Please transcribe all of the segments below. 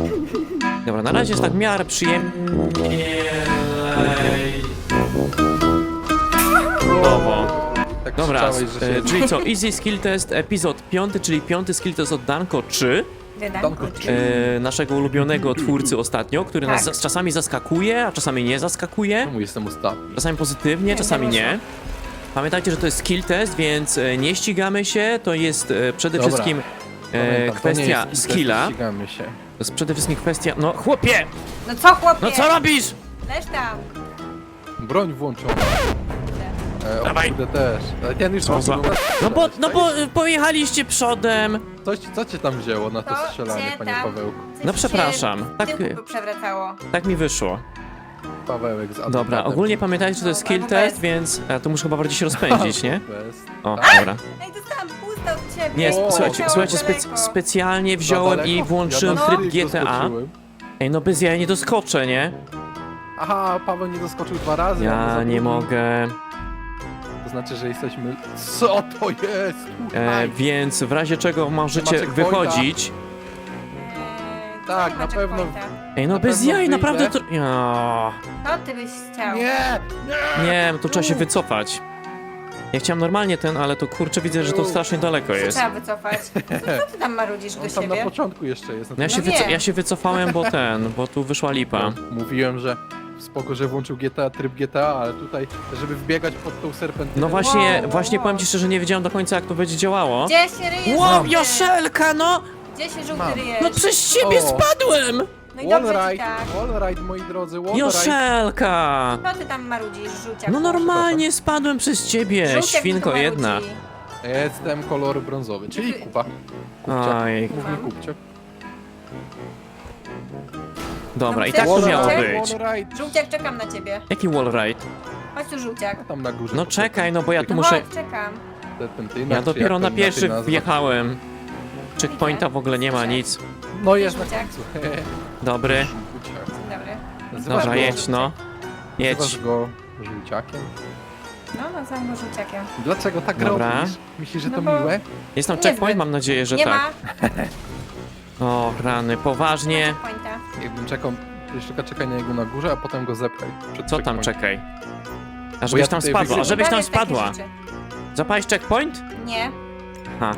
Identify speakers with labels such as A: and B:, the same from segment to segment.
A: Dobra, na razie jest tak w miarę przyjemnie.
B: Tak
A: Dobra,
B: krzyczałeś, że się...
A: czyli co, Easy Skill Test, epizod 5, czyli 5. skill test od Danko 3,
B: Danko,
A: naszego ulubionego twórcy ostatnio, który nas
C: Tak.
A: czasami zaskakuje, a czasami nie zaskakuje,
B: Czemu jestem ostatni?
A: czasami pozytywnie, czasami nie. Pamiętajcie, że to jest skill test, więc nie ścigamy się, to jest przede
B: Dobra.
A: wszystkim
B: Pamiętam, to
A: kwestia
B: nie jest test,
A: skilla,
B: ścigamy się.
A: to jest przede wszystkim kwestia, no chłopie,
C: No co, chłopie?
A: no co robisz?
C: Leż tam.
B: Broń włączona. O
A: Dawaj.
B: kurde też. Ale ten już
A: Co za-
B: mógł do nas
A: No bo
B: strzelać.
A: pojechaliście przodem.
B: Co cię tam wzięło na to
C: To
B: strzelanie,
C: cię
B: panie
C: tam-
B: Pawełku?
C: Coś
A: No
C: się
A: przepraszam,
C: w
A: tak,
C: tyłku przewracało.
A: tak mi wyszło.
B: Pawełek z adwokatem.
A: Dobra, ogólnie pamiętajcie, że to jest
C: No,
A: skill
C: albo
A: test,
C: bez.
A: więc to muszę chyba bardziej się rozpędzić, nie?
B: Bez.
A: O,
B: Tak?
A: dobra.
C: Ej, dostałam pusta od ciebie.
A: Nie,
B: O,
A: słuchajcie,
C: Leciało daleko.
A: specjalnie
B: Za
A: wziąłem
B: daleko?
A: i włączyłem
B: Ja
A: tryb
B: na
A: GTA.
B: doskoczyłem.
A: Ej, no bez jaja nie doskoczę, nie?
B: Aha, Paweł nie doskoczył 2 razy. a my
A: Ja
B: za
A: nie
B: drugim.
A: mogę.
B: To znaczy, że jesteśmy... Co to jest? Tutaj.
A: Więc w razie czego możecie
B: checkpointa.
A: wychodzić.
B: Tak,
C: nie ma
B: na pewno.
C: checkpointa.
A: Ej, no
B: Na
A: bez
B: pewno
A: jaj,
B: wyjdę.
A: naprawdę to... Ja.
C: To ty byś chciał.
B: Nie!
A: Nie, to trzeba się wycofać. Ja chciałem normalnie ten, ale to kurczę widzę, że to strasznie daleko
C: Co
A: jest.
C: trzeba wycofać? Co ty tam marudzisz do
B: On tam na
C: siebie?
B: początku jeszcze jest.
A: No
C: wiem.
A: ja się wycofałem, bo tu wyszła lipa.
B: Mówiłem, że spoko, że włączył GTA, tryb GTA, ale tutaj, żeby wbiegać pod tą serpentynę...
A: No właśnie,
C: Wow,
A: właśnie
C: wow.
A: powiem ci szczerze, nie wiedziałem do końca jak to będzie działało.
C: Gdzie się ryjesz?
A: Wow,
C: żółty?
A: Joszelka, no!
C: Gdzie się żółty
B: Mam.
C: ryjesz?
A: No przez ciebie
B: O.
A: spadłem!
C: No i dobrze ci
B: Wallride,
C: tak.
B: wallride, moi drodzy, wallride.
A: Joszelka!
C: Co ty tam marudzisz, żółciak?
A: No normalnie spadłem przez ciebie,
C: Żółciak
A: świnko
C: tu
A: jedna.
C: marudzi.
B: Jestem kolor brązowy, czyli kupa. Kupcia.
A: Oj,
B: Mów mi kupcio.
A: dobra, i
C: No
A: tak to
C: przecież
A: miało
C: żółciak-
A: być.
B: Wallride.
C: Żółciak, czekam na ciebie.
A: Jaki wallride?
C: Chodź tu, żółciak.
B: Tam na górze.
A: No czekaj, no bo ja tu
C: No
A: muszę...
C: chodź, czekam.
B: Serpentyna,
A: Ja
B: czy
A: dopiero
B: jak
A: na
B: to
A: pierwszy
B: inaczej nazwać?
A: wjechałem. Checkpointa w ogóle nie ma nic.
B: No jest na
C: Żółciak.
B: końcu.
A: Dobry.
B: Żółciak.
C: Dzień dobry.
B: Nazywasz
A: Dobra,
B: go-
A: jedź no.
B: Nazywasz
A: Jedź.
B: go żółciakiem?
C: No, nazywam go żółciakiem.
B: Dlaczego tak
A: Dobra.
B: robisz? Myślisz, że to
C: No bo-
B: miłe?
A: Jest tam
C: Niezbyt.
A: checkpoint? Mam nadzieję, że
C: Nie
A: tak.
C: ma.
A: O, rany, poważnie.
C: checkpointa.
B: Jakbym czekał, jeszcze czekaj na niego na górze, a potem go zepchaj. Przed
A: Co tam,
B: checkpointem.
A: czekaj? A
B: ja
A: żebyś tam
B: tutaj
A: spadła, a
B: wygrywam.
A: żebyś tam
C: Powiedz takie
A: spadła.
C: rzeczy.
A: Zapałeś checkpoint?
C: Nie.
A: Ha.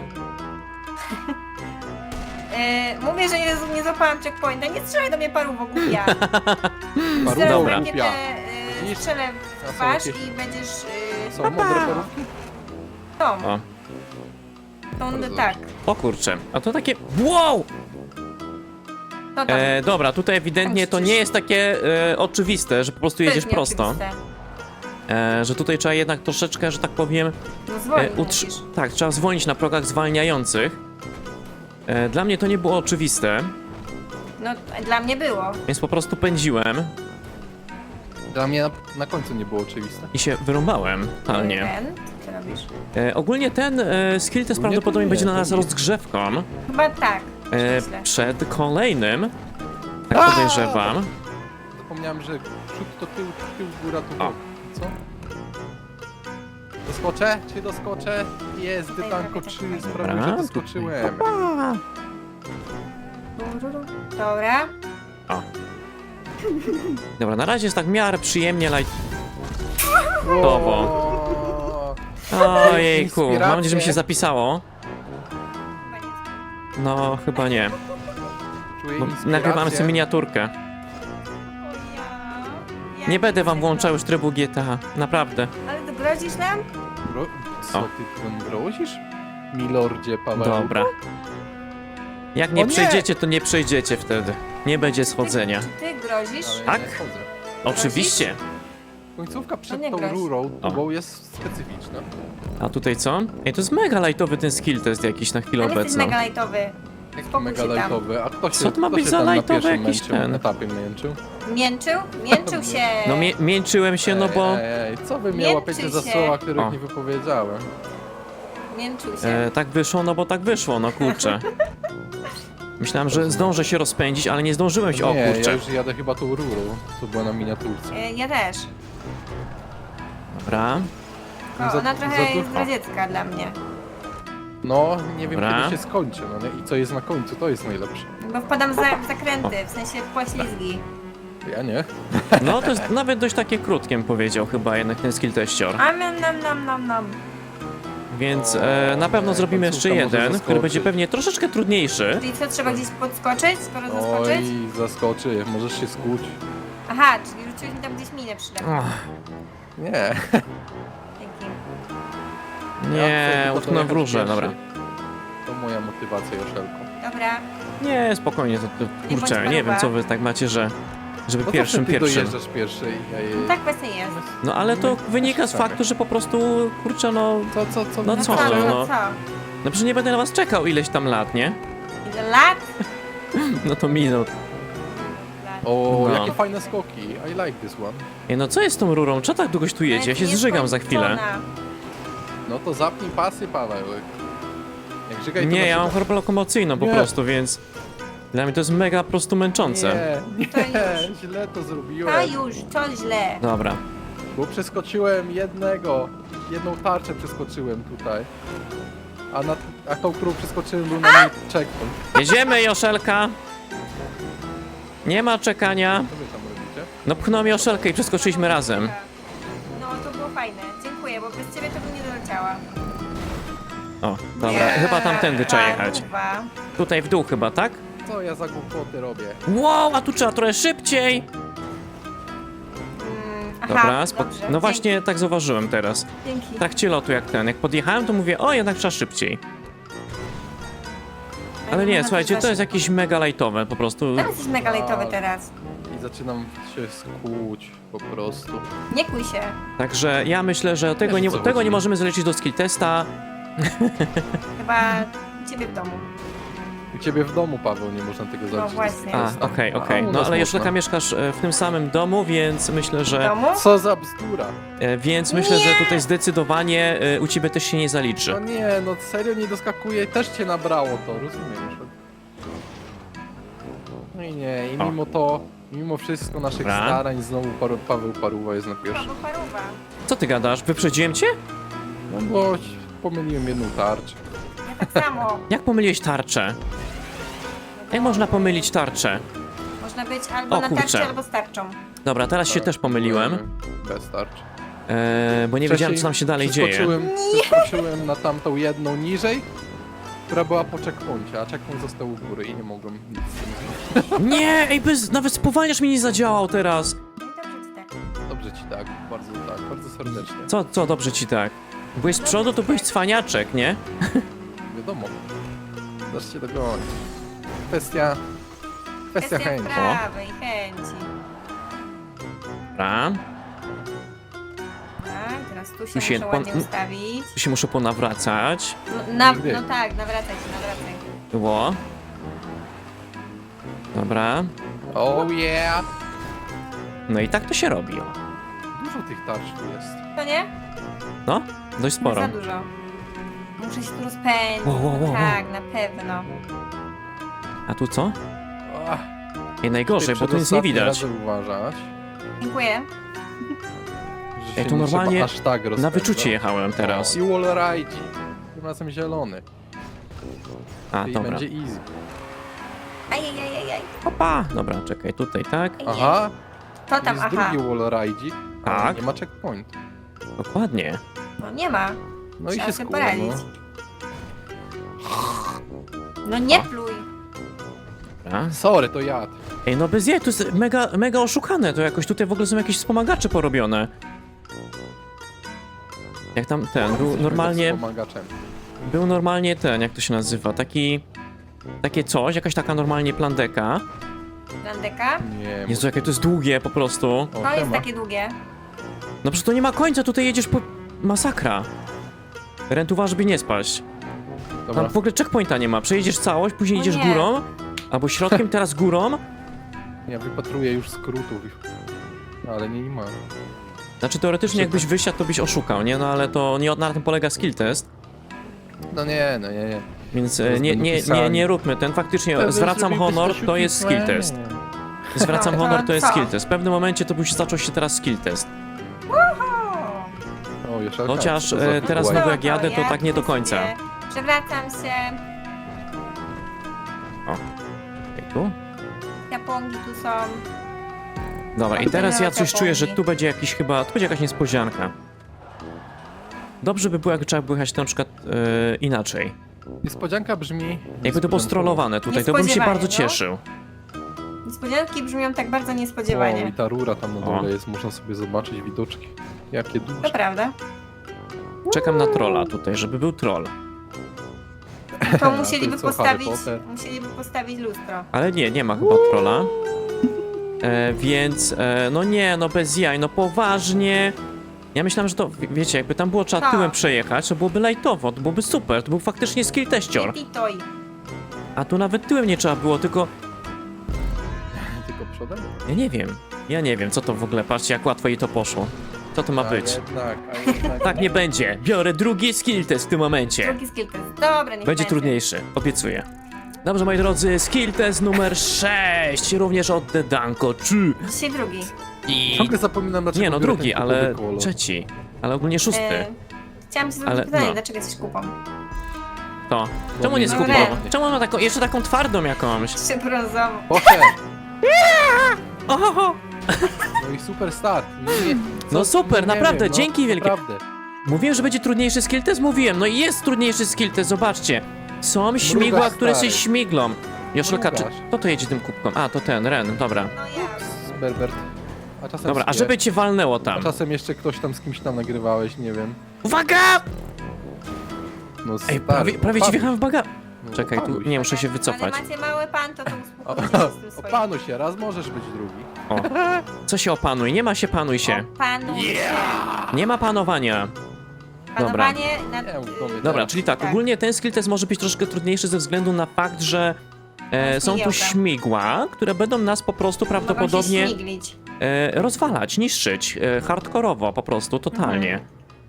C: Mówię, że nie złapałam checkpointa. Nie strzelaj do mnie paruwo, głupia.
B: Paru,
C: Zaraz
A: dobra.
C: rakietę
B: Widzisz?
C: strzelę
B: A
C: w
B: są
C: twarz
B: jakieś-
C: i będziesz
B: Są mądre parówki?
C: tą.
A: O.
B: Bardzo
C: Tak.
A: O kurczę, a to takie... Wow!
C: To tam.
A: Dobra, tutaj ewidentnie to nie jest takie oczywiste, że po prostu
C: To jest
A: jedziesz prosto.
C: nieoczywiste.
A: Że tutaj trzeba jednak troszeczkę, że tak powiem...
C: No zwolnij musisz.
A: Tak, trzeba zwolnić na progach zwalniających. Dla mnie to nie było oczywiste,
C: No, dla mnie było.
A: więc po prostu pędziłem
B: Dla mnie na końcu nie było oczywiste.
A: i się wyrąbałem totalnie.
C: Ten, co robisz?
A: Ogólnie ten skill test
B: Ogólnie
A: prawdopodobnie
B: to
A: będzie
B: nie,
A: dla nas
B: to nie.
A: rozgrzewką
C: Chyba tak. Myślę.
A: przed kolejnym. Tak podejrzewam.
B: Zapomniałem, że przód to tył, góra to
A: O.
B: bok. Co? Doskoczę? Czy doskoczę? Jest,
C: Daj
B: Danko
C: robię
B: 3,
C: checkpoint.
B: sprawił,
A: Dobra,
B: że doskoczyłem.
C: Dobra.
A: Dobra, na razie jest tak w miarę przyjemnie
B: O,
A: Ojejku, mam
B: Inspiracje.
A: nadzieję, że mi się zapisało.
C: Chyba nie.
A: No, chyba nie.
B: Czuję
A: Bo
B: inspirację.
A: nagrywamy sobie miniaturkę.
C: Ja
A: Nie będę wam
C: chcę
A: włączał już trybu GTA, naprawdę.
C: Ale to grozisz nam?
B: Co
A: O.
B: ty tam grozisz? Milordzie Paweł.
A: Dobra. Jak nie
B: O nie!
A: przejdziecie, to nie przejdziecie wtedy. Nie będzie schodzenia.
C: Czy ty grozisz?
B: Ale
A: Tak?
B: nie chodzę.
A: Oczywiście.
B: Końcówka przed
C: nie
B: tą
C: groź.
B: rurą
A: O.
B: tubą jest specyficzna.
A: A tutaj co? Ej, to jest mega lightowy ten skill test jakiś na chwilę
C: Ale jesteś
A: obecną.
C: mega lightowy.
B: Jaki
C: Spokój
B: mega
C: się tam.
B: lightowy. A kto się,
A: Co to ma
B: kto
A: być
B: się
A: za
B: tam na
A: lightowy
B: pierwszym
A: jakiś
B: męczył,
A: ten?
B: etapie męczył?
C: Mięczył? Mięczył się.
A: No mięczyłem się, no bo...
B: Ej, co wy mnie
C: Mięczy
B: łapiecie za
C: się.
B: słowa, których
A: O.
B: nie wypowiedziałem?
C: Mięczył się.
A: Tak wyszło, no bo tak wyszło, no kurczę. Myślałem, że zdążę się rozpędzić, ale nie zdążyłem się, o
B: Nie,
A: kurczę.
B: ja już jadę chyba tą rurą, co była na miniaturce.
C: Ja też.
A: Dobra.
C: O,
B: Za-
C: ona
B: za
C: trochę jest
B: dużo.
C: zdradziecka dla mnie.
B: No, nie wiem
A: Dobra.
B: kiedy się skończy, no nie? I co jest na końcu, to jest najlepsze.
C: Bo wpadam w zakręty, w sensie w poślizgi.
B: Ja nie.
A: No to jest nawet dość takie krótkie, bym powiedział chyba jednak ten skill teścior.
C: A nam.
A: Więc
B: O,
A: na pewno zrobimy jeszcze
B: końcówka może
A: jeden, który
B: zaskoczyć.
A: będzie pewnie troszeczkę trudniejszy.
C: Czyli co, trzeba gdzieś podskoczyć, skoro zaskoczyć?
B: Oj, zaskoczy, możesz się skuć.
C: Aha, czyli rzuciłeś mi tam gdzieś minę przydać.
A: Ach,
B: Nie.
C: Dzięki.
A: nie,
B: tylko
A: utknąłem w
B: dojechać
A: róże,
B: pierwszy.
A: dobra.
B: To moja motywacja, Joszelko.
C: Dobra.
A: Nie, spokojnie,
C: Nie
A: kurczę,
C: bądź
A: nie wiem
C: paruwa.
A: co wy tak macie, że żeby
B: No
A: pierwszym.
B: ty dojeżdżasz pierwszy i ja je...
C: No tak właśnie jest.
A: No ale to wynika z faktu, że po prostu, kurczę, no,
B: Co?
A: No
C: No
A: co,
C: co,
A: no?
C: no co?
A: no przecież nie będę na was czekał ileś tam lat, nie?
C: Ile lat?
A: No to minut.
C: Lat.
B: O,
A: No.
B: jakie fajne skoki. I like this one.
A: Ej, no co jest z tą rurą? Co tak długoś tu jedzie? Ja się zżygam za chwilę.
C: Nieskończona.
B: No to zapnij pasy, Paweł. Jak żygaj, to
A: Nie, ja
B: na
A: mam chorobę lokomocyjną po
B: Nie.
A: prostu, więc dla mnie to jest mega po prostu męczące.
B: Nie,
C: To już.
B: źle to zrobiłem.
C: A już, to źle.
A: Dobra.
B: Bo przeskoczyłem jedną tarczę przeskoczyłem tutaj. A tą, którą przeskoczyłem, był na niej checkpoint.
A: Jedziemy, Joszelka! Nie ma czekania.
B: Co wy tam robicie?
A: No pchnąłem Joszelkę i przeskoczyliśmy razem.
C: No to było fajne. Dziękuję, bo bez ciebie to bym nie doleciała.
A: O, dobra, chyba tamtędy trzeba jechać.
C: Paruwa.
A: Tutaj w dół chyba, tak?
B: Co ja za głupoty robię?
A: Wow, a tu trzeba trochę szybciej!
C: Aha,
A: Dobra,
C: dobrze.
A: no właśnie tak zauważyłem teraz.
C: Dzięki.
A: W trakcie lotu jak ten, jak podjechałem to mówię, o jednak trzeba szybciej. Ale nie,
C: można
A: słuchajcie,
C: też
A: to jest
C: szybko.
A: jakieś mega lightowe po prostu.
C: Teraz jesteś mega lejtowy
B: A.
C: teraz.
B: I zaczynam się skłuć po prostu.
C: Nie kuj się.
A: Także ja myślę, że tego
B: Wiesz,
A: nie,
B: o co
A: tego
B: chodzi.
A: nie możemy zlecić do skill testa.
C: Chyba ciebie w domu.
B: U ciebie w domu, Paweł, nie można tego zaliczyć.
C: właśnie.
A: A, okej, okej.
B: u
A: No
B: nas
A: ale
B: można.
A: Joszelka mieszkasz w tym samym domu, więc myślę,
C: W
A: że
C: domu?
B: Co za bzdura.
A: że tutaj zdecydowanie u ciebie też się nie zaliczy.
B: No nie, no serio nie doskakuje, też cię nabrało to, rozumiem. Że... No i nie, i
A: O.
B: mimo to, mimo wszystko naszych
A: Dobra.
B: starań, znowu Paweł Paruwa jest na pierwszy.
C: Paweł Paruwa.
A: Co ty gadasz? Wyprzedziłem cię?
B: No bo pomyliłem jedną tarczę.
C: Ja tak samo.
A: Jak pomyliłeś tarczę? Jak można pomylić tarczę?
C: Można być albo
A: O,
C: na
A: kurczę.
C: tarczy, albo z tarczą.
A: Dobra, teraz się też pomyliłem,
B: Bez tarczy.
A: bo nie wiedziałem co tam się dalej dzieje.
B: Przeskoczyłem na tamtą jedną niżej, która była po checkpoincie, a checkpoint został u góry i nie mogłem nic z tym zrobić.
A: Nie, ej, nawet spowalniacz mi nie zadziałał teraz.
C: No i dobrze ci tak.
B: Dobrze ci tak, bardzo serdecznie.
A: Co dobrze ci tak? Byłeś z przodu, to byłeś cwaniaczek, nie?
B: Wiadomo. Dasz się dogonić. Kwestia chęci.
C: prawej chęci.
A: Dobra,
C: Tak, teraz tu
A: Tu
C: się
A: się
C: muszę
A: pan-
C: ładnie ustawić.
A: tu się muszę ponawracać.
C: No tak, nawracaj się, nawracaj.
A: Było. Dobra.
B: Oh yeah!
A: No i tak to się robi. O.
B: Dużo tych tarcz tu jest.
C: To nie?
A: No, dość sporo.
C: Za dużo. Muszę się tu rozpędzić.
A: Wow.
C: Tak, na pewno.
A: A tu co?
B: Ach,
A: Ej, najgorzej, bo tu nic nie widać.
B: Radzę uważać,
C: Dziękuję.
B: że
A: Ej,
B: się
A: tu
B: nie
A: normalnie
B: trzeba aż tak
A: Na
B: rozpędzać.
A: wyczucie jechałem teraz.
B: O, i wallride. Tym razem zielony.
A: A,
B: I
A: dobra.
B: będzie easy.
C: Ajajajajaj.
A: Opa! Dobra, czekaj, tutaj, tak?
B: Aha,
C: To tam,
B: jest
C: aha.
B: drugi wallride.
A: Tak.
B: Nie ma checkpoint.
A: Dokładnie.
C: No nie ma.
B: No i
C: Trzeba
B: się
C: sobie
B: skuło,
C: poradzić.
B: no.
C: No nie pluj.
A: Dobra.
B: Sorry, to jad.
A: Ej, no bez jej, to jest mega oszukane, to jakoś tutaj w ogóle są jakieś wspomagacze porobione. Jak tam ten, był normalnie ten, jak to się nazywa, takie coś, jakaś taka normalnie plandeka.
C: Landeka?
B: Nie,
A: Jezu, jakie to jest długie po prostu.
B: o,
C: To jest
B: siema.
C: takie długie.
A: No przecież to nie ma końca, tutaj jedziesz po... Masakra. Rent uważa, żeby nie spaść.
B: Dobra,
A: Tam w ogóle checkpointa nie ma, przejedziesz całość, później
C: O
A: idziesz
C: nie.
A: górą, albo środkiem, teraz górą.
B: ja wypatruję już skrótów. Ale nie ma.
A: Znaczy teoretycznie jakbyś wysiadł, to byś oszukał, nie? No ale to nie na tym polega skill test.
B: No nie.
A: Więc
B: Teraz
A: nie,
B: będą
A: nie, nie,
B: pisali.
A: nie róbmy ten. Faktycznie
B: Wtedy
A: zwracam
B: zrobiłbyś
A: honor,
B: to
A: to jest skill test. Zwracam
C: No,
A: honor, to jest
C: co?
A: skill test. W pewnym momencie to już zaczął się teraz skill test.
B: O, Joszelka,
A: Chociaż
B: co to za
A: teraz
B: figura?
A: znowu jak jadę, to tak nie do końca.
C: Przewracam się.
A: Ej, tu?
C: Japonki tu są.
A: Dobra, i
C: Tam
A: teraz
C: będą
A: ja coś czuję, że
C: Japonki.
A: tu będzie jakiś chyba, tu będzie jakaś niespodzianka. Dobrze by było, jakby trzeba było jechać na przykład inaczej.
B: Niespodzianka brzmi...
A: Jakby to było strollowane tutaj, to bym się
C: Niespodziewanie,
A: bardzo
C: no.
A: cieszył.
C: Niespodzianki brzmią tak bardzo
B: O,
C: niespodziewanie.
B: i ta rura tam na
A: O.
B: dole jest, można sobie zobaczyć widoczki. Jakie
C: To
B: duże.
C: prawda.
A: Czekam na trolla tutaj, żeby był troll.
C: To
B: to
C: musieliby
B: jest co, Harry
C: postawić,
B: Potter?
C: musieliby postawić lustro.
A: Ale nie ma chyba trolla. Więc, no nie, no bez jaj, no poważnie. Ja myślałem, że to, wiecie, jakby tam było trzeba
C: Tak.
A: tyłem przejechać, to byłoby lajtowo, to byłoby super, to był faktycznie skill teścior.
C: Titoj.
A: A tu nawet tyłem nie trzeba było, tylko
B: Tylko przodem?
A: ja nie wiem, co to w ogóle, patrzcie jak łatwo jej to poszło. Co to ma
B: A
A: być?
B: jednak.
A: Tak nie będzie, biorę drugi skill test w tym momencie.
C: Drugi skill test. Dobra, niech
A: Będzie trudniejszy, obiecuję. Dobrze, moi drodzy, skill test numer 6, również od The Danko 3.
C: Dzisiaj drugi.
A: I...
B: Ciągle zapominam, dlaczego
A: Nie no,
B: biorę
A: drugi,
B: ten
A: ale
B: kupowy kolor.
A: trzeci. Ale ogólnie szósty.
C: Chciałam ci zadać
A: Ale
C: pytanie,
A: no.
C: dlaczego jesteś kupą?
A: To. Czemu nie
B: No,
A: skupał?
C: red.
A: Czemu on ma taką, jeszcze taką twardą jakąś?
C: Czy brązową?
B: Proszę!
A: Oho!
B: No i super start. Nie,
A: No super, naprawdę,
B: wiem,
A: dzięki wielkie.
B: Naprawdę.
A: Mówiłem, że będzie trudniejszy skill test? Mówiłem, no i jest trudniejszy skill test, zobaczcie. Są śmigła,
B: Mrugasz,
A: które się
B: stary.
A: śmiglą. Joszelka, czy...
B: Mrugasz.
A: Kto to jedzie tym kubką? A, to ten, Ren, dobra.
C: No ja.
B: Berbert. A czasem
A: Dobra, a
B: Skier.
A: żeby cię walnęło
B: A
A: tam.
B: czasem jeszcze ktoś tam z kimś tam nagrywałeś, nie wiem.
A: Uwaga!
B: No
A: Ej,
B: stary,
A: prawie ci
B: opanuj
A: wjechałem w baga...
B: No,
A: Czekaj, tu
B: opanuj
A: nie
B: się.
A: muszę się wycofać.
C: Ale macie mały pan, to uspokójcie się z tym swoim.
B: Opanuj się, raz możesz być drugi.
A: O. Co się opanuj? Nie ma się panuj się.
C: Panuj się.
A: Nie ma panowania.
C: Panowanie nad...
B: Nie, w domu
A: Dobra,
B: teraz.
A: czyli tak, ogólnie ten skill test może być troszkę trudniejszy ze względu na fakt, że są tu
C: śmigiełka.
A: śmigła, które będą nas po prostu
C: Mogą się
A: prawdopodobnie
C: śmiglić.
A: rozwalać, niszczyć, hardkorowo po prostu, totalnie.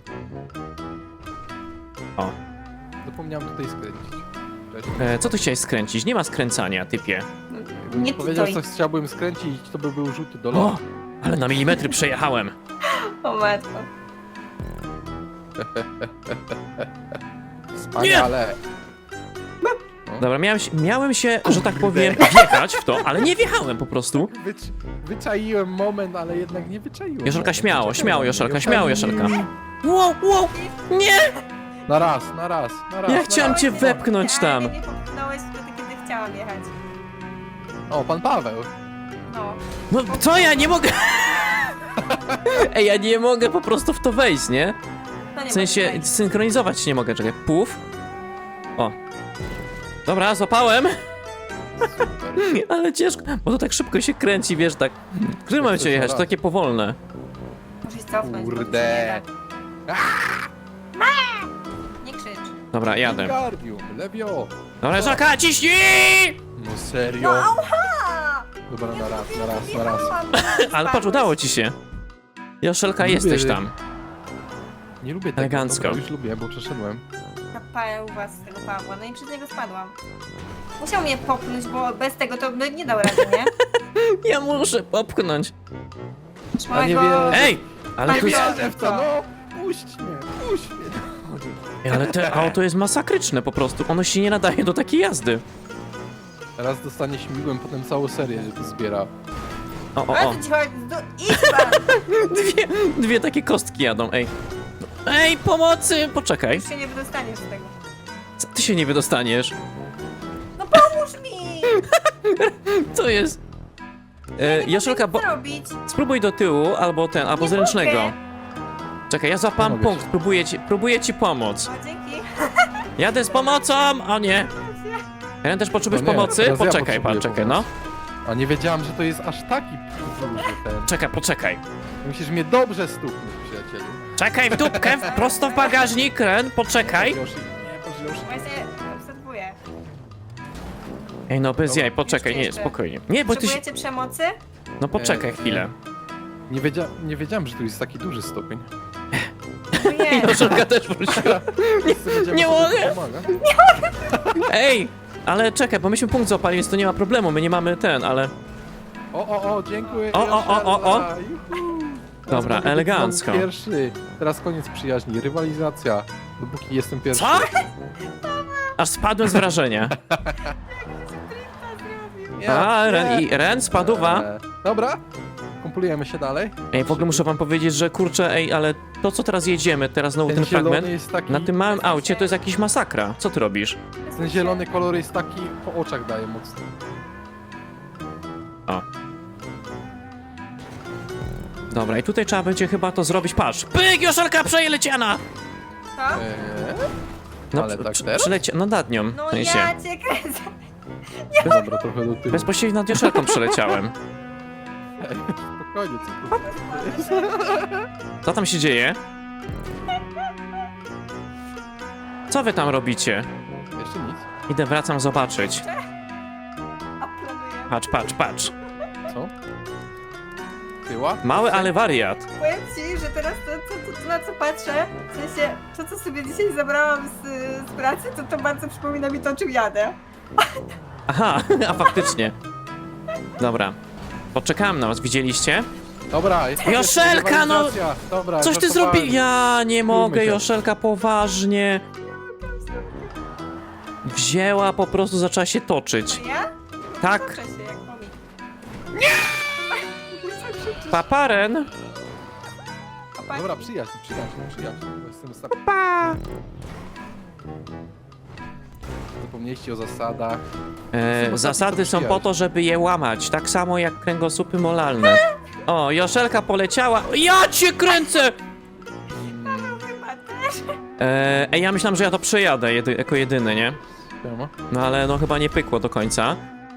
A: O,
B: Zapomniałem tutaj skręcić. Cześć.
A: co ty chciałeś skręcić? Nie ma skręcania, typie.
B: Gdybym
C: Nie
B: powiedział,
C: titoj.
B: co chciałbym skręcić, to by był rzut do
A: O,
B: lotu.
A: ale na milimetry przejechałem.
C: O matko.
B: Wspaniale.
A: Dobra, miałem się, że tak powiem, wjechać w to, ale nie wjechałem po prostu.
B: Wyczaiłem moment, ale jednak nie wyczaiłem.
A: Joszelka,
B: moment.
A: śmiało,
B: Czekaj
A: śmiało,
B: na mnie.
A: Joszelka, śmiało, Joszelka. Wow, wow, nie!
B: Na raz, na raz, na raz.
A: Ja
B: na
A: chciałem
B: raz.
A: cię wepchnąć tam.
C: Ale nie popchnąłeś wtedy, kiedy chciałam jechać.
B: O, pan Paweł.
C: No.
A: No co ja nie mogę? Ej, ja nie mogę po prostu w to wejść, nie?
C: To nie
A: W sensie
C: może być.
A: synchronizować się nie mogę, czekaj. Puf. O. Dobra, złapałem,
B: Super.
A: ale ciężko, bo to tak szybko się kręci, wiesz, tak. W którym momencie
B: coś
A: jechać? To
B: raz.
A: takie powolne.
C: Muszę się cofnąć, bo to się
B: Kurde.
C: nie da. Nie krzycz.
A: Dobra, jadę.
B: Gardium, Lewio.
A: Dobra, Żaka, ciśnij!
B: No serio?
C: Auha!
B: Dobra, na raz, na raz.
A: Ale patrz, udało ci się. Joszelka,
B: Lubię.
A: jesteś tam.
B: Nie lubię tego.
A: Elegancko.
B: Dobra, już lubię, bo przeszedłem.
C: Kapałem u was z tego Pawła, no i przez niego spadłam. Musiał mnie popchnąć, bo bez tego to by nie dał rady, nie?
A: Ja muszę popchnąć.
B: A nie
C: Małego-
B: wie-
A: Ej! Ale tu jest...
B: Wierzę w to, no! Puść mnie, puść mnie.
A: Ej, ale to auto jest masakryczne po prostu. Ono się nie nadaje do takiej jazdy.
B: Teraz dostanie śmigłem, potem całą serię, że to zbiera.
A: O, o,
C: Ale
A: o.
C: to ci chodzi, idź pan!
A: Dwie takie kostki jadą, ej. Ej, pomocy! Poczekaj.
C: Już się nie wydostaniesz z tego.
A: Co ty się nie wydostaniesz?
C: No pomóż mi!
A: Co jest? Joszelka, bo...
C: Co robić?
A: spróbuj do tyłu, albo ten, albo
C: Nie
A: z ręcznego.
C: mogę.
A: Czekaj, ja złapam
B: Pomogę
A: punkt,
B: ci.
A: próbuję ci pomóc.
C: O, dzięki.
A: Jadę z pomocą! O nie! Ren, też potrzebujesz
B: No nie,
A: pomocy?
B: teraz ja
A: Poczekaj, pan,
B: potrzebuję
A: czekaj, no.
B: A nie wiedziałem, że to jest aż taki duży ten.
A: Czekaj, poczekaj.
B: Musisz mnie dobrze stuknąć, przyjacielu.
A: Czekaj w dupkę, prosto w bagażnik, Ren, poczekaj.
B: Yoshi, nie, Yoshi.
C: Właśnie obserwuję.
A: Ej, no bez
B: Dobra,
A: jaj, poczekaj, nie,
C: jeszcze.
A: spokojnie. Nie, bo ty się...
C: Potrzebujecie przemocy?
A: No poczekaj chwilę.
B: Nie wiedziałem, że tu jest taki duży stopień.
C: Nie.
A: Joszelka też wróciła. nie mogę. Ej, ale czekaj, bo myśmy punkt złapali, więc to nie ma problemu, my nie mamy ten, ale...
B: O, dziękuję.
A: O, o.
B: Joszelka, juhu. Teraz
A: Dobra,
B: mogę być
A: elegancko.
B: znowu pierwszy. Teraz koniec przyjaźni, rywalizacja. Dopóki jestem pierwszy.
A: Co? Aż spadłem z wrażenia. A, Ren spadła.
B: Dobra, kumplujemy się dalej.
A: Ej, w ogóle muszę wam powiedzieć, że kurczę, ej, ale to co teraz jedziemy, teraz znowu ten
B: zielony
A: fragment,
B: jest taki...
A: na tym małym aucie to jest jakiś masakra. Co ty robisz?
B: Ten zielony kolor jest taki, po oczach daje mocno.
A: O. Dobra, i tutaj trzeba będzie chyba to zrobić. Patrz! Pyk! Joszelka przeleciana!
C: Co?
A: No,
B: Ale tak teraz?
A: no nad nią.
C: No
A: w sensie.
C: ja cię kręcę.
B: Dobra, trochę do tyłu.
A: Bezpośrednio nad Joszelką przeleciałem.
B: Spokojnie, co tu?
A: Co tam się dzieje? Co wy tam robicie?
B: Jeszcze nic.
A: Idę, wracam zobaczyć.
C: Aplanuję.
A: Patrz, patrz, patrz.
B: Co? Tyła?
A: Mały, ale wariat.
C: Powiem ci, że teraz to na co patrzę, w sensie to co sobie dzisiaj zabrałam z pracy, to bardzo przypomina mi to, czym jadę.
A: Aha, a faktycznie. Dobra. Poczekałem na was, widzieliście?
B: Dobra, jest
A: Joszelka, no!
B: rywalizacja. Dobra,
A: Coś ty
B: żartowałem.
A: zrobił? Ja nie mogę,
B: się.
A: Joszelka, poważnie. Wzięła, po prostu zaczęła się toczyć.
C: To ja?
A: Tak.
C: Toczę się jak pomik.
A: Paparen.
B: Dobra, przyjaźń. Jestem ostatni. Zapomnieliście o zasadach.
A: Zasady są po to, żeby je łamać. Tak samo jak kręgosłupy molalne. O, Joszelka poleciała. Ja cię kręcę!
C: Chyba też.
A: Ej, ja myślałem, że ja to przejadę jako jedyny, nie?
B: Siema.
A: No ale no chyba nie pykło do końca.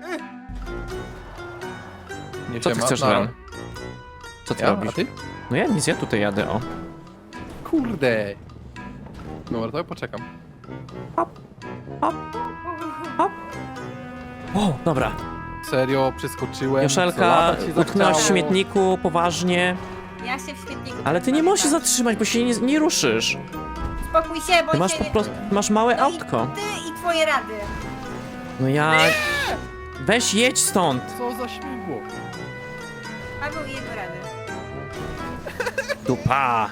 B: Nie
A: Co ty
B: siema.
A: chcesz,
B: Nara.
A: Ren? Co ty
B: Ja? A
A: robisz?
B: ty?
A: No ja nic, ja tutaj jadę, o.
B: Kurde. Dobra, to ja poczekam.
A: O, dobra.
B: Serio, przeskoczyłem.
A: Joszelka,
B: co lata ci
A: utknęłaś w
B: zachciało.
A: śmietniku, poważnie.
C: Ja się w śmietniku.
A: Ale ty nie możesz się zatrzymać, bo się nie ruszysz.
C: Spokój się, bo
A: Ty masz
C: się
A: po
C: nie-
A: prostu, masz małe
C: No
A: autko.
C: i ty i twoje rady.
A: No ja... Weź jedź stąd.
B: Co za śmigło.
C: Paweł i jego rady.
A: Dupa.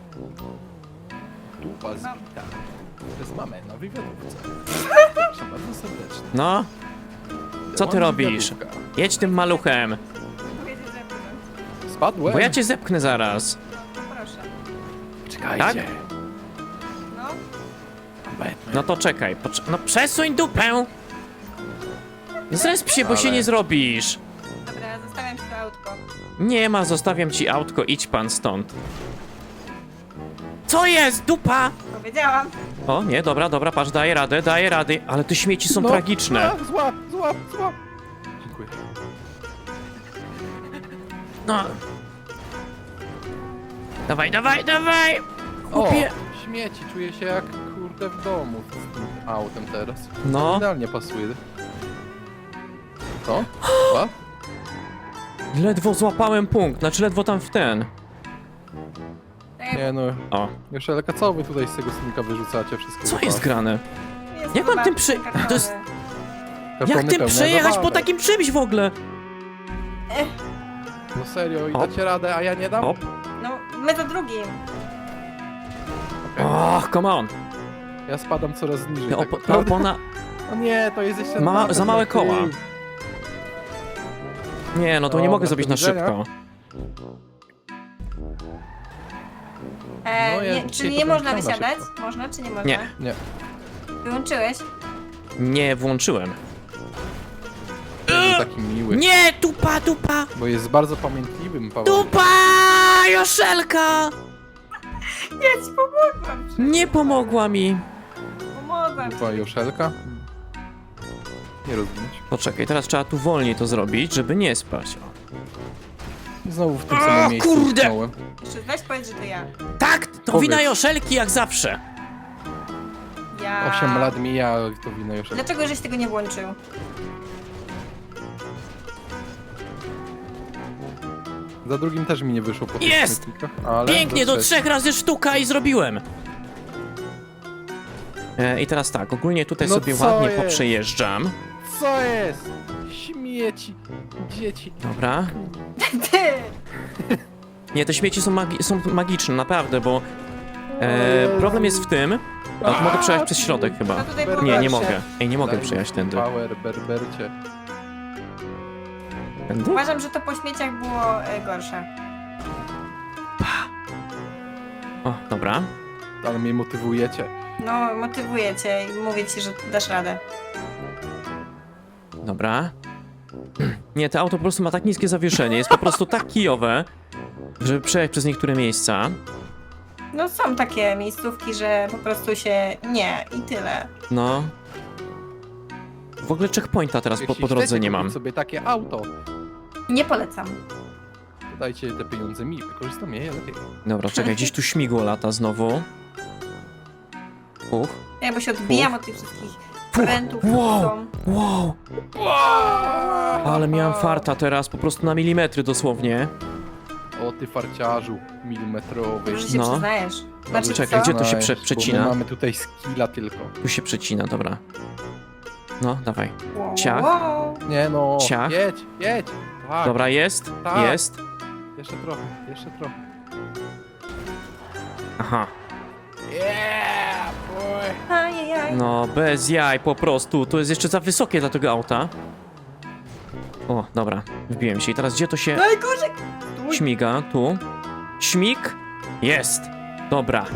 B: Dupa zbita. Przez mamę na wywiadówce. Proszę bardzo serdecznie.
A: No, co ty
B: Mam
A: robisz?
B: wywiadówka.
A: Jedź tym maluchem,
C: Powiedz, że zepnąć.
B: Spadłem?
A: bo ja cię zepchnę zaraz.
C: No proszę.
B: Czekajcie.
A: Tak?
C: No.
B: Batman.
A: No to czekaj, no przesuń dupę. Zresp się, bo
B: Ale-
A: się nie zrobisz.
C: Dobra, zostawiam ci to autko.
A: Nie ma, zostawiam ci autko, idź pan stąd. Co jest, dupa?
C: Powiedziałam.
A: O, nie, dobra, patrz, daję radę, ale te śmieci są
B: No,
A: tragiczne.
B: a, złap. Dziękuję.
A: No. Dawaj.
B: O,
A: Chłopie.
B: śmieci. Czuję się jak kurde w domu z tym autem teraz.
A: No.
B: Idealnie pasuje. Co? Co?
A: Ledwo złapałem punkt, znaczy ledwo tam w ten.
C: Tak
B: Nie no.
A: O,
B: Joszelka, co wy tutaj z tego silnika wyrzucacie wszystkie?
A: co
B: zabawy?
A: jest grane?
C: jest
A: Jak mam
C: chyba
A: tym
C: kartony.
A: to jest-
B: Kartony
A: Jak tym
B: pełne
A: przejechać po
B: zabawek.
A: takim czymś w ogóle?
B: No serio, i
A: Hop.
B: dacie radę, a ja nie dam?
A: Hop.
C: No, my za drugim.
A: Och, come on.
B: Ja spadam coraz niżej.
A: Ta
B: tak
A: ta
B: naprawdę.
A: opona...
B: O nie, to jest jeszcze...
A: Za małe
B: na
A: koła.
B: tył.
A: Nie, no to nie
B: Dobra,
A: mogę zrobić
B: do
A: na
B: widzenia.
A: szybko.
B: No, ja
C: nie,
B: dzisiaj
C: czyli
B: to
C: nie
B: bym
C: można
B: chciał na
C: wysiadać?
B: szybko.
C: Można czy nie można?
A: Nie.
B: Nie,
C: Wyłączyłeś?
A: Nie włączyłem.
B: jest taki miły.
A: Nie, dupa!
B: Bo jest bardzo pamiętliwym Paweł.
A: Dupa! Joszelka!
C: Ja ci pomogłam.
A: Nie pomogła mi.
C: Pomogłam ci.
B: Dupa Joszelka. Nie rozumieć.
A: Poczekaj, teraz trzeba tu wolniej to zrobić, żeby nie spaść. O.
B: I znowu w tym samym miejscu
A: kurde!
B: utknąłem.
C: Jeszcze weź powiedz, że to ja.
A: Tak, to
B: Powiedz.
A: wina Joszelki jak zawsze.
C: Ja...
B: 8 lat mija, to wina Joszelka.
C: Dlaczego żeś tego nie włączył?
B: Za drugim też mi nie wyszło po tych
A: Jest!
B: śmietnikach, ale
A: Pięknie, do
B: trzeciego.
A: 3 razy sztuka i zrobiłem. I teraz tak, ogólnie tutaj
B: No
A: sobie
B: co
A: ładnie
B: jest?
A: poprzejeżdżam.
B: Co jest? Śmieci, dzieci.
A: Dobra.
C: Ty!
A: Nie, te śmieci są magiczne, naprawdę, bo Problem jest w tym... A, mogę przejechać przez środek chyba.
C: No tutaj było
A: Nie, nie
C: gorsze.
A: mogę. Ej, nie mogę
B: Daj
A: przejechać
B: mi
A: tędy.
B: Power, berbercie.
A: Tędy?
C: Uważam, że to po śmieciach było gorsze.
A: O, dobra.
B: Ale mnie motywujecie.
C: No, motywuję cię i mówię ci, że dasz radę.
A: Dobra. Nie, to auto po prostu ma tak niskie zawieszenie, jest po prostu tak kijowe, żeby przejechać przez niektóre miejsca.
C: No są takie miejscówki, że po prostu się nie i tyle.
A: No. W ogóle checkpointa teraz po
B: Jeśli
A: drodze
B: chcecie
A: nie
B: kupić
A: mam.
B: sobie takie auto,
C: Nie polecam.
B: to dajcie te pieniądze mi, wykorzystam je lepiej.
A: Dobra, czekaj, gdzieś tu śmigło lata znowu.
C: Ja bo się odbijam od tych wszystkich
A: Fuch.
C: prętów,
A: Wow.
C: są.
A: Wow! Ale miałem farta teraz, po prostu na milimetry dosłownie.
B: O ty farciarzu milimetrowy.
C: Dobrze się
A: No.
C: przyznajesz. Znaczy
A: Czekaj,
C: co?
A: gdzie to się
B: Znajesz,
A: przecina?
B: Bo my mamy tutaj skilla tylko.
A: Tu się przecina, dobra. No, dawaj.
C: Wow,
A: Ciach.
C: wow.
B: Nie no,
A: Ciach.
B: jedź, jedź. Tak,
A: Dobra, jest,
B: Tak.
A: jest.
B: jeszcze trochę, jeszcze trochę.
A: Aha.
B: Yeah, boy.
C: Ajajaj.
A: No, bez jaj po prostu. To jest jeszcze za wysokie dla tego auta. O, dobra, wbiłem się. I teraz gdzie to się
C: Najgorzej! Stój.
A: śmiga? Tu. Śmig? Jest. Dobra.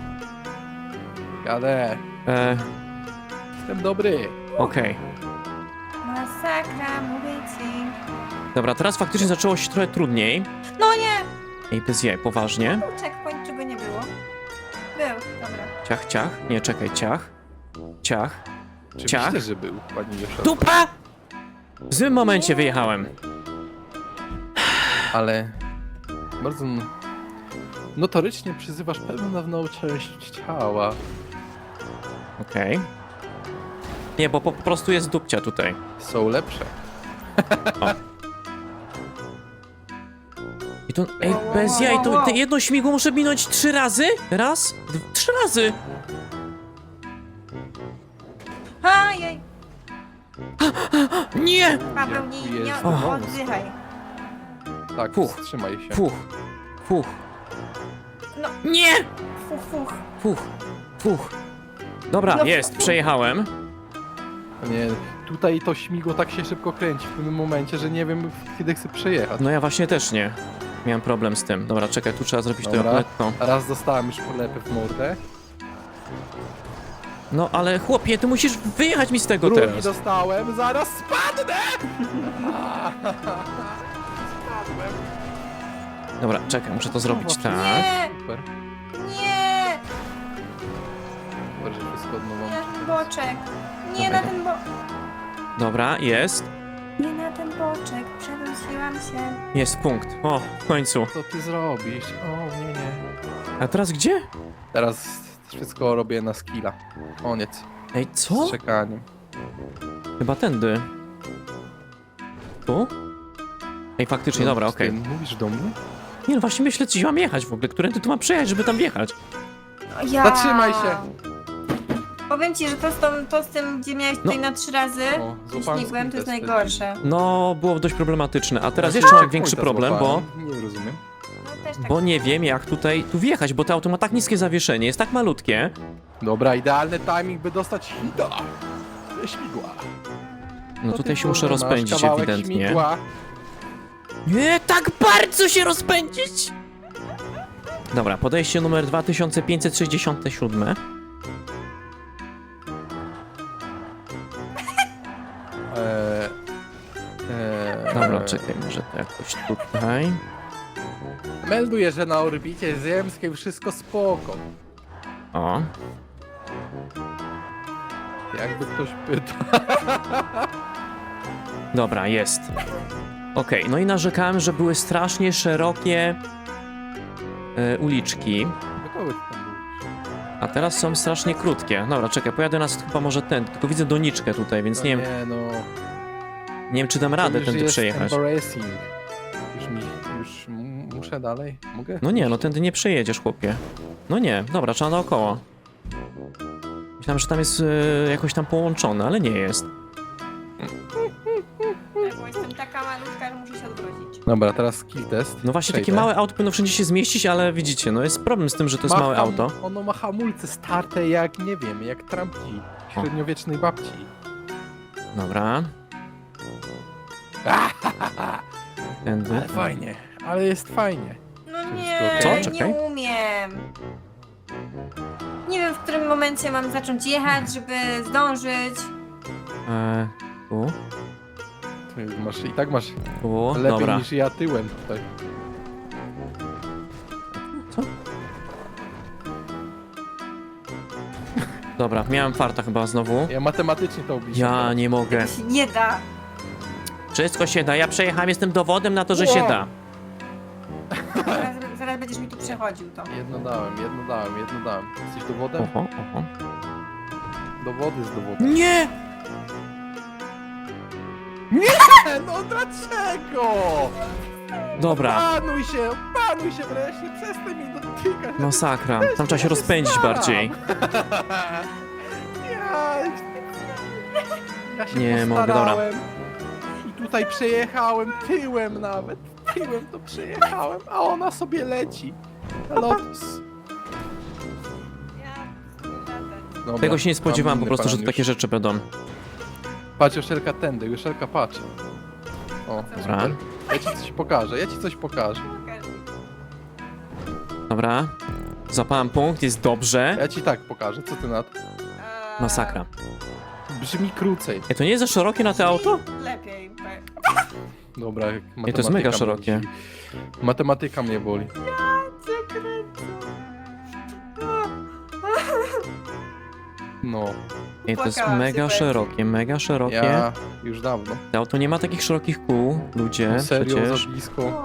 B: Jadę, jestem dobry.
A: Okej.
C: Masakra, mówię ci.
A: Dobra, teraz faktycznie zaczęło się trochę trudniej.
C: No nie!
A: Ej, bez jaj, poważnie.
C: Był checkpoint, czego nie było. Był, dobra.
A: Ciach, ciach. Nie, czekaj, ciach. Ciach.
B: Oczywiście,
A: Ciach.
B: że był, pani Joszelko.
A: Dupa! W złym momencie wyjechałem.
B: Ale bardzo notorycznie przyzywasz pewną część ciała.
A: Okej. Nie, bo po prostu jest dupcia tutaj.
B: Są lepsze.
A: I to, ej, bez jaj, to jedno śmigło muszę minąć 3 razy? Raz? 3 razy!
C: Ajaj!
A: Nie!
C: Paweł, nie
B: Jest
A: wąs.
C: oddychaj.
B: Tak,
A: Fuch.
B: wstrzymaj się.
A: Fuch, fuch.
C: No.
A: Nie!
C: Fuch, fuch.
A: Fuch, fuch. Dobra,
C: No,
A: jest,
C: fuch.
A: przejechałem.
B: Nie, tutaj to śmigło tak się szybko kręci w pewnym momencie, że nie wiem kiedy chcę przejechać.
A: No ja właśnie też nie. Miałem problem z tym. Dobra, czekaj, tu trzeba zrobić to
B: Dobra.
A: lekko.
B: Raz dostałem już polepę w mordę.
A: No ale chłopie, ty musisz wyjechać mi z tego
B: Drugi
A: teraz.
B: dostałem, zaraz spadnę! Spadłem.
A: Dobra, czekaj, muszę to zrobić tak.
C: Nie!
B: Super,
C: Nie!
B: super, że wszystko od nowa.
C: Nie na ten boczek. Nie
A: Dobra.
C: na ten bo...
A: Dobra, jest.
C: Nie na ten boczek. Przewróciłam się.
A: Jest punkt. O, w końcu.
B: Co ty zrobisz? O, nie, nie.
A: A teraz gdzie?
B: Teraz wszystko robię na skilla. Koniec.
A: Ej, co?
B: Z czekaniem.
A: Chyba tędy. Tu? Ej, faktycznie, dobra,
B: Ty
A: okej.
B: Mówisz do mnie?
A: Nie no, właśnie myślę, gdzie mam jechać w ogóle. Którędy tu mam przejechać, żeby tam wjechać?
C: Ja.
B: Zatrzymaj się!
C: Powiem ci, że to z tym, gdzie miałeś tutaj na 3 razy
B: O,
C: i
B: złapałem
C: śmigłem, to jest
B: sprinter
C: najgorsze.
A: No, było dość problematyczne. A teraz
B: Ja
A: jeszcze mam
B: checkpointa
A: większy problem, bo...
B: złapałem. Nie rozumiem.
C: No też tak.
A: Bo nie wiem, jak tu wjechać, bo to auto ma tak niskie zawieszenie, jest tak malutkie.
B: Dobra, idealny timing, by dostać hita. Ze śmigła.
A: No
B: To
A: tutaj
B: ty,
A: się muszę
B: kurwa, masz
A: rozpędzić
B: kawałek
A: ewidentnie.
B: Śmigła.
A: Nie, tak bardzo się rozpędzić! Dobra, podejście numer 2567. Dobra, czekaj, może to jakoś tutaj.
B: Melduję, że na orbicie ziemskiej wszystko spoko.
A: O,
B: Jakby ktoś pytał.
A: dobra, jest. Okej, no i narzekałem, że były strasznie szerokie uliczki,
B: Kogo ty tam mówisz?
A: a teraz są strasznie krótkie. Dobra, czekaj, pojadę nas chyba może tędy, tylko widzę doniczkę tutaj, więc nie wiem,
B: Nie no.
A: nie wiem czy dam radę
B: już
A: tędy
B: jest
A: przejechać.
B: embarrassing. Muszę dalej? Mogę?
A: No nie, no tędy nie przejedziesz, chłopie. No nie, dobra, trzeba naokoło. Myślałem, że tam jest jakoś tam połączone, ale nie jest.
C: Tak, bo jestem taka malutka, że muszę się odwrócić.
B: Dobra, teraz skill test.
A: No właśnie, takie
B: Przejdę.
A: małe auto powinno wszędzie się zmieścić, ale widzicie, no jest problem z tym, że to jest małe auto.
B: Ono ma hamulce starte jak, nie wiem, jak trampki średniowiecznej babci.
A: Dobra. Tędy.
B: Ale fajnie, ale jest fajnie.
C: No
B: Czy
C: nie,
B: wszystko
A: okej?
C: nie
A: Czekaj.
C: umiem. Nie wiem, w którym momencie mam zacząć jechać, żeby zdążyć.
A: Tu,
B: Ty masz, i tak masz
A: tu,
B: lepiej
A: dobra.
B: niż ja tyłem tutaj.
A: Dobra, miałem farta chyba znowu.
B: Ja matematycznie to obliczam.
A: Ja nie mogę.
C: To się nie da.
A: Wszystko się da, ja przejechałem, jestem dowodem na to, że się
B: Wow.
A: da.
C: Zaraz będziesz mi tu przechodził to.
B: Jedno dałem. Jesteś dowodem?
A: Oho, oho.
B: Dowody z dowodem.
A: Nie!
B: No dlaczego?
A: Dobra,
B: Panuj się wreszcie, przestań mi dotykać.
A: masakra. Tam trzeba się rozpędzić bardziej.
B: Ja się
A: Nie mogę, dobra.
B: postarałem. I tutaj przejechałem tyłem nawet. Tyłem to przejechałem, a ona sobie leci. Lotus. Dobra,
A: Tego się nie spodziewałem
B: mam
A: po prostu, że
B: inny
A: to takie
B: plan
A: rzeczy będą.
B: już. Patrz, Joszelka tędy, Joszelka patrz. O,
A: Dobra.
B: super. Ja ci coś pokażę.
A: Dobra. Zapałem punkt, jest dobrze.
B: Ja ci tak pokażę, co ty na to?
A: Masakra.
B: Brzmi krócej.
A: Ej, to nie jest za szerokie na to auto?
C: Lepiej.
B: Dobra,
A: Ej, to jest mega szerokie.
B: Matematyka mnie boli.
C: Cię kręcę.
B: No,
A: Ej, to jest
C: Płakałam się
A: mega
C: pewnie.
A: szerokie, mega szerokie.
B: ja już dawno.
A: To auto nie ma takich szerokich kół, ludzie,
B: No serio,
A: przecież.
B: za blisko.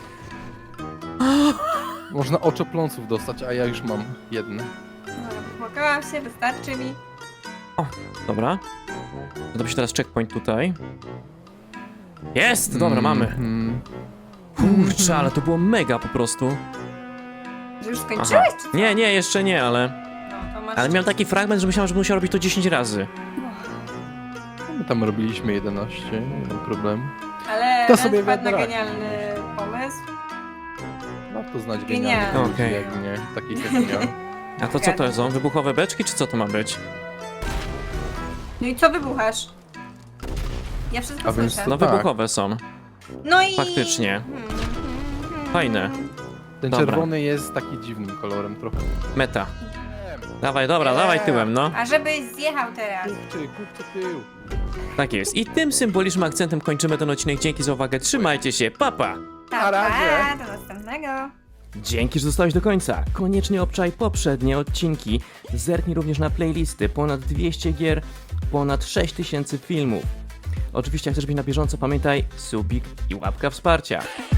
B: Można oczopląsów dostać, a ja już mam jedne.
C: Płakałam się, wystarczy mi.
A: Dobra. Zrobi się teraz checkpoint tutaj. Jest! Dobra, mamy.
B: Mhm.
A: Kurczę, ale to było mega po prostu.
C: Że już
A: Aha.
C: skończyłeś, czy co?
A: Nie, nie, jeszcze nie, ale...
C: No, to masz...
A: Ale miałem taki fragment, że myślałem, że musiał robić to 10 razy.
B: My tam robiliśmy 11, nie ma problemu.
C: Ale
B: To
C: to
B: sobie
C: wpadł na
B: wiadomo.
C: genialny pomysł.
B: Warto znać
C: Genialne.
B: genialnych ludzi
A: Okej.
B: jak mnie, takich jak ja.
A: A to co to są? Wybuchowe beczki, czy co to ma być?
C: No i co wybuchasz? Ja wszystko
B: A więc
C: słyszę.
A: No
B: tak.
A: wybuchowe są.
C: No i...
A: Faktycznie. Fajne.
B: Ten
A: Dobra.
B: czerwony jest taki dziwnym kolorem trochę.
A: Meta. Dawaj, dobra, dawaj tyłem, no.
C: A żebyś zjechał teraz.
B: Kupczy tył.
A: Tak jest. I tym symbolicznym akcentem kończymy ten odcinek. Dzięki za uwagę, trzymajcie się, papa!
B: Na razie.
C: Do następnego.
A: Dzięki, że zostałeś do końca. Koniecznie obczaj poprzednie odcinki. Zerknij również na playlisty. Ponad 200 gier, ponad 6000 filmów. Oczywiście, jak chcesz być na bieżąco, pamiętaj subik i łapka wsparcia.